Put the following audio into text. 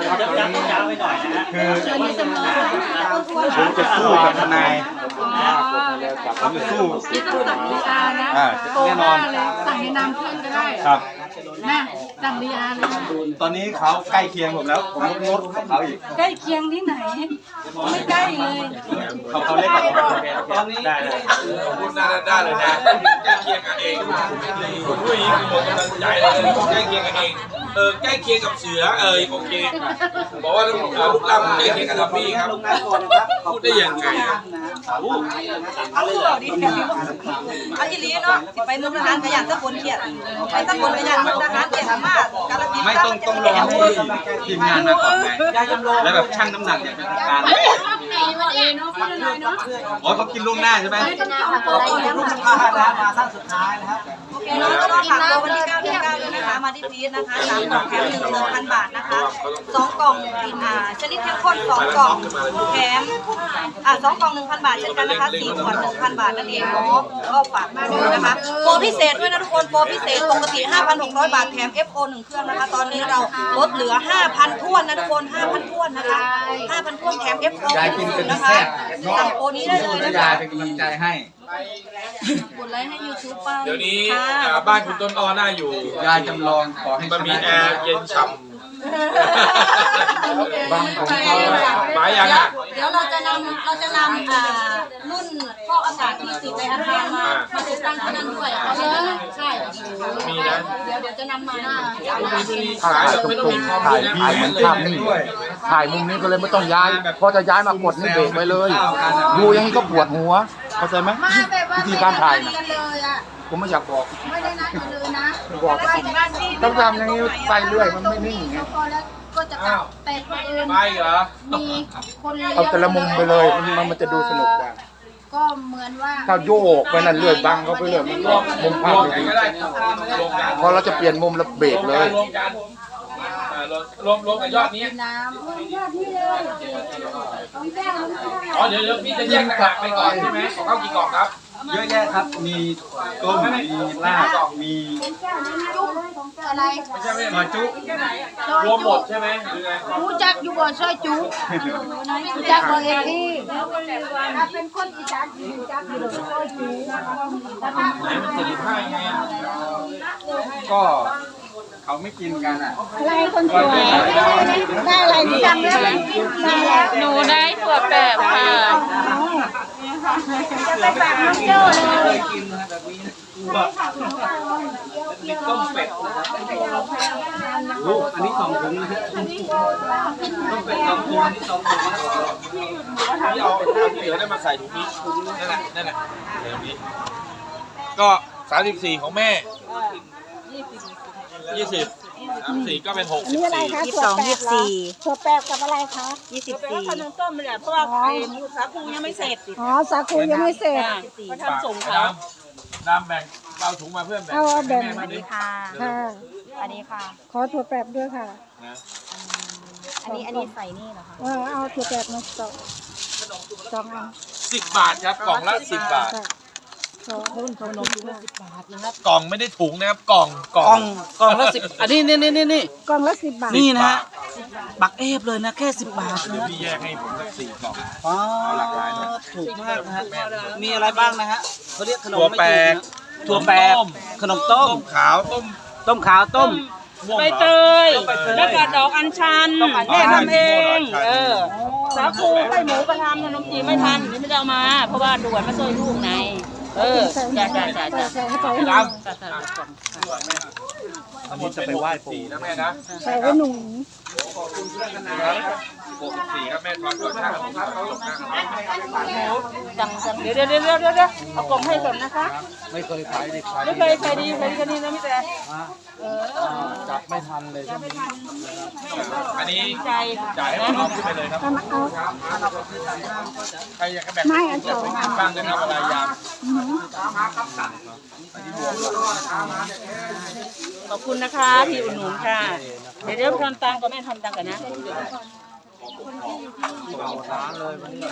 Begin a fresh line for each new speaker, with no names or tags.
คือผมจะสู้กับทนายผมจะสู้
นี่ต้องสั่งดีอาร์นะ
แน่นอน
สั่งในนามเพื่อนก็ได้
ครับ
นะสั่งดีอาร์เลย
ตอนนี้เขาใกล้เคียงผมแล้วผมลดกับเขาอีก
ใกล้เคียงที่ไหนไม่ใกล้เลย
เขาเล็กกว่าผม
ตอนนี้พูดได้เลยนะใกล้เคียงกันเองผมพูดอย่างนี้คือหมดกำลังใจเลยใกล้เคียงกันเองใกล้เคียงกับเสือโอเคบอกว่าลูกล่ำใกล้เคียงกับทัพพี่ครับพูดได้ยังไง
เอาอีหลีเนาะสิไปมุกทหารขยันตะคนเขียดไปตะคนขยันมุกทหารเขียดมากกาลสิน
ไม่ต้องรอให้ทีมงานมาก่อนไงแล้วแบบชั่งน้ำหนักอย่างเป็นทางการอ๋อเขากินล่วงหน้าใช่ไหม
ลูกค้ามาสั้นสุดท้ายนะครับน้องก็ต้องฝากตัววันที่9 เดือน 9ด้วยนะคะมาที่พีชนะคะ3 กล่องแถม1,000 บาทนะคะ2 กล่องชนิดเข้มข้น2 กล่องแถม2 กล่อง 1,000 บาทเช่นกันนะคะ4 ขวด 1,000 บาทนั่นเองเนาะก็ฝากมาด้วยนะคะโปรพิเศษด้วยนะทุกคนโปรพิเศษปกติ 5,600 บาทแถม FO 1 เครื่องนะคะตอนนี้เราลดเหลือ 5,000 ท้วนนะทุกคน 5,000 ท้วนนะคะ 5,000 ท้วนแถม FO 1นะคะสั่งโปรนี้ได้เลยนะคะ
เป็นกำลังใจให้
กดไลค์ให้ YouTube ไป
เดี๋ยวนี้บ้านคุณต้นอ้อน่าอยู่
ยายจำลองขอให้
มันมีแอร์เย็นฉ่ำ
บางผม
หมายยังอ่ะ
เดี๋ยวเราจะนำรุ่นฟอกอากาศที่ติดในอาคารมาติดตั้งที่นั่นด้วยเอาเลยใช่
มีนะ
เดี๋ยวจะนำมา
ขายไม่ต้องมีคอม
ถ่าย
นะ
ถ่ายเหมือนภาพนิ่งถ่ายมุมนี้ก็เลยไม่ต้องย้ายพอจะย้ายมากดนี่เบรกไว้เลยดูอย่างนี้ก็ปวดหัวเข้าใจไหมวิธีการถ่ายนะผมไม่อยากบอก
ไม่ได้นัดกันเลยนะ
บอกต้องทำอย่างนี้ไปเรื่อยมันไม่นิ่งไง
พอแล้วก็จะกลับแต่คนอื่น
ไปเหรอ
มีคนเลี้ยง
เอาแต่ละมุมไปเลยมันจะดูสนุกกว่า
ก็เหมือนว่า
ถ้าโยกไปนั่นเรื่อยบังเขาไปเรื่อยมันก็มุมภาพ
รวม
ไม่
กัน
ดี
ก็ได้รวมกัน
พอเราจะเปลี่ยนมุมแล้วเบรกเลย
รวมกันรวมกับยอดนี้
น้ำยอดที่เลยต้องแก้ว
อ๋อเดี๋ยวพี่จะแยกต่างหากไปก่อนใช่ไหมของเขากี่กล่องครับ
เยอะแยะครับ มีต้มมีลาบมี
อะไร
ไม่ใช่ไม่
ซอยจุ
รวมหมดใช่ไหมหรือไง
รู้จักอยู่บ่ซอยจุรู้จักบ่เอพี่ถ้าเป็นคนอีสานรู้จักอยู่ซอยจุ
ไหนมัน75ยังไง
ก็เขาไม่กินกันอ่ะ
อะไรคนสวยได้อะไรที่จำได้ไหมได้แล้ว
หนูได้ถั่วแปบค่ะ
จะไปฝากน้องโจ้เลย
กินนะแบบนี้มีต้มเป็ดลูกอันนี้2 ถุงนะฮะต้มเป็ด2 ถุงอันนี้2 ถุงนะ
พี่เอาที่เหลือได้มาใส่ถุงนี้นั่นแหละใส่ถุงนี้ก็34ของแม่20 34ก็เป็น64
ถั่วแปบกับอะไรคะ
ขนมต้มเนี่ยเพราะว่าสาคูยังไม่เสร็จ
อ๋อสาคูยังไม่เสร็จ
มาทำส่งเขา
น้ำแบ่งเอาถุงมาเพื่อนแบ่ง
เอาแบ่ง
แม่มาดิ
ค่ะ
ค่ะ
อันนี้ค่ะ
ขอถั่วแปบด้วยค่ะ
อันนี้ใส่นี่เหรอคะ
เอาถั่วแปบมาสองอัน
10 บาทครับกล่องละ10 บาท
ค่ะขอรุ่นขนมด้วย
กล่องไม่ได้ถุงนะครับกล่อง
กล่องละ10อันนี้นี่
กล่องละ10 บาท
นี่นะฮะบักเอฟเลยนะแค่10 บาท
เดี๋ยว
นะ
พี่แยกให้ผมสัก4 กล่อง
อ๋อถูกมากนะฮะมีอะไรบ้างนะฮะเขาเรียกขนม
ถั่วแปบ
ถั่วแปบขนมต้ม
ต้มขาวต้ม
ต้มขาวต้ม
ม่วง
ใบเตย แล้วก็ดอกอัญชันแม่ทำเอง สาคูไข่หมูก็ทำขนมจีนไม่ทันนี่ไม่ได้เอามา เพราะว่าด่วนมาซอยลูกไงจ้า
ใส่ให้ไป
ครับ
อันนี้จะไปไหว้ปู่
4นะแม่นะ
ใส่ไว้หนู
64ครับแม่ทอนก่อนช่างครับเขาหลบหน้าครับ
จังเดี๋ยวเอากล่องให้ก่อนนะคะ
ไม่เคยขายในขาย
ไม่เคยใครดีกันนี่นะพี่แต่
จับไม่ทันเลยใช่ไหม
อันนี้
ใจ
จ่ายให้ผมเอาขึ้นไปเลยครับ
เอา
ใครอยากจะแบ่ง
ไม่อันสอง
บ้างนะครับอะไรยาม
ขอบคุณนะคะที่อุดหนุนค่ะ เดี๋ยวทอนตังค์ก็แม่ทอนตังค์กันนะ